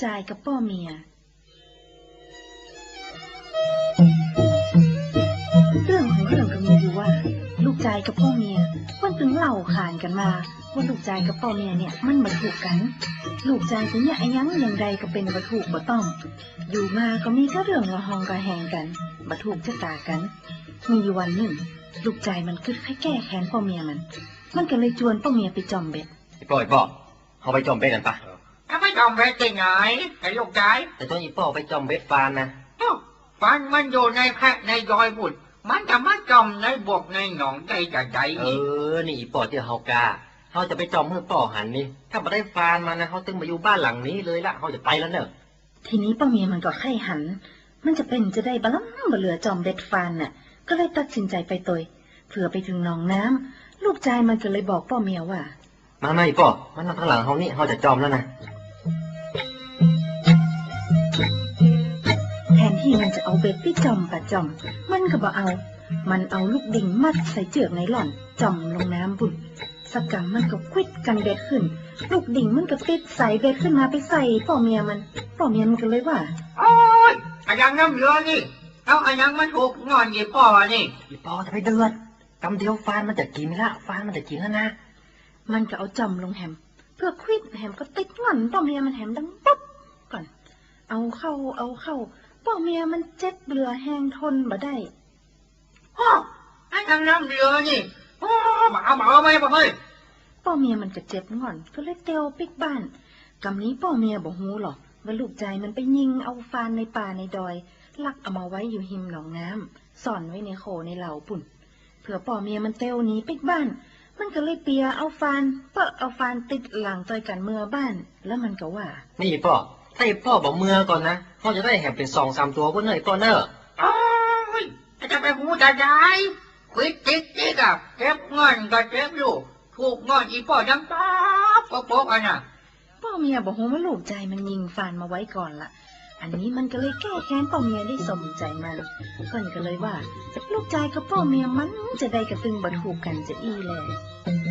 ชายกับพ่อเมียเรื่องของเรื่องก็มีอยู่ว่าลูกชายกับพ่อเมียมันถึงเล่าขานกันมาว่าลูกชายกับพ่อเมียเนี่ยมันมาถูกกันลูกชายถึงอย่างยังอย่างใดก็เป็นมาถูกบ่ต้องอยู่มาก็มีก็เรื่องละหองกระแหงกันมาถูกชะตากันมีอยู่วันหนึ่งลูกชายมันคิดให้แก้แค้นพ่อเมียมันก็เลยชวนพ่อเมียไปจอมเบ็ดอีป่อเขาไปจอมเบ็ดกันปะไปจอมเบ็ดที่ไหนไอ้ลูกชายแต่ตอนอีป่อไปจอมเบ็ดฟานนะฟันมันอยู่ในแพะในยอยบุตรมันจะมาจอมในบกในหนองใจใจนี่อีป่อที่เฮากาเขาจะไปจอมเมื่อป่อหันนี่ถ้ามาได้ฟานมานะเขาตึงมาอยู่บ้านหลังนี้เลยละเขาจะไปแล้วเนอะทีนี้พ่อเมียมันก็ไข้หันมันจะเป็นจะได้บล้ำบ่เหลือจอมเบ็ดฟานน่ะก็เลยตัดสินใจไปตัวเผื่อไปถึงหนองน้ำลูกชายมันก็เลยบอกพ่อเมียว่ามาอีป่อมันนั่งข้างหลังเขานี่เขาจะจอมแล้วนะแทนที่มันจะเอาเบ็ดไปจอมปะจอมมันก็บ่เอามันเอาลูกดิ่งมัดใส่เจือกไนล่อนจอมลงน้ำบุญสักกำมันก็ควิดกันเบ็ดขึ้นลูกดิ่งมันก็ติดใส่เบ็ดขึ้นมาไปใส่พ่อเมียมันก็เลยว่าโอ๊ยอายังน้ำเรือนี่เอาอายังมันถูกงอนยี่ป่อนี่อีป่อจะไปเดือดกำเดียวฟานมันจะกินละฟานมันจะกินแล้วนะมันก็เอาจอมลงแหมเพื่อควิดแหมก็ติดงอนพ่อเมียมันแหมดังปุ๊บก่อนเอาเข้าพ่อเมียมันเจ็บเรือแห้งทนบ่ได้อายังน้ำเรือนี่มาไหมพ่อเมียมันก็เจ็บงอนก็เลยเตียวปิกบ้านกำนี้พ่อเมียบ่ฮู้หรอกว่าลูกชายมันไปยิงเอาฟานในป่าในดอยลักเอามาไว้อยู่หิมหนองน้ำซ่อนไว้ในโขในเหล่าปุ่นเผื่อพ่อเมียมันเตียวหนีปิกบ้านมันก็เลยเปียเอาฟานติดหลังต่อยกันเมื่อบ้านแล้วมันก็ว่านี่พ่อถ้าพ่อบอกเมื่อก่อนนะพ่อจะได้แหมเป็น2-3ตัวก็เนยพ่อเนอะจะไปหูจะได้ควิดติ๊กอะเจ็บงอนก็เจ็บอยู่ถูกงอนอีพ่อยังป๊อกอันน่ะพ่อเมียบอกว่าลูกใจมันยิงฟานมาไว้ก่อนละอันนี้มันก็เลยแก้แค้นพ่อเมียได้สมใจมันก็เลยว่าลูกใจกับพ่อเมียมันจะได้กระตึงบัดหูกันจะอีแล